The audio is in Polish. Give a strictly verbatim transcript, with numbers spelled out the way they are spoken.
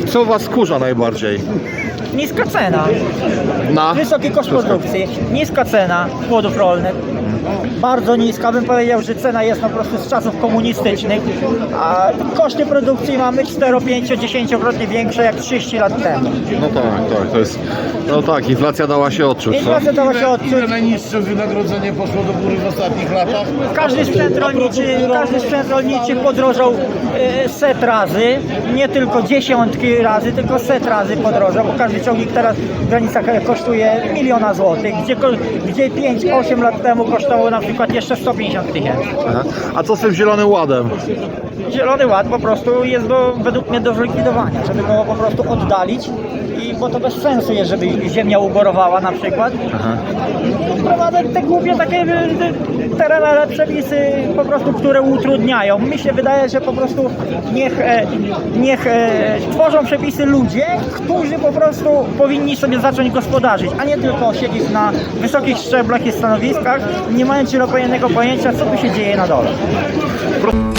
Co was wkurza najbardziej? Niska cena, Na? wysoki koszt Wszystko. produkcji, niska cena płodów rolnych. Bardzo niska, bym powiedział, że cena jest po prostu z czasów komunistycznych, a koszty produkcji mamy cztero, pięć, dziesięciokrotnie większe jak trzydzieści lat temu. No tak, tak, to jest... No tak, inflacja dała się odczuć, co? Inflacja dała się odczuć. Ile najniższe wynagrodzenie poszło do góry w ostatnich latach? Każdy sprzęt rolniczy, każdy sprzęt rolniczy podrożał e, set razy, nie tylko dziesiątki razy, tylko set razy podrożał, bo każdy ciągnik teraz w granicach kosztuje miliona złotych, gdzie, ko- gdzie pięć osiem lat temu kosztowało na przykład jeszcze sto pięćdziesiąt tysięcy. Aha. A co z tym Zielonym Ładem? Zielony Ład po prostu jest do, według mnie do zlikwidowania, żeby go po prostu oddalić, i bo to bez sensu jest, żeby ziemia uborowała na przykład. Aha. Wprowadzać te głupie takie e, terenowe przepisy po prostu, które utrudniają. Mi się wydaje, że po prostu niech, e, niech e, tworzą przepisy ludzie, którzy po prostu powinni sobie zacząć gospodarzyć, a nie tylko siedzieć na wysokich szczeblach i stanowiskach, nie mając zielonego pojęcia, co tu się dzieje na dole.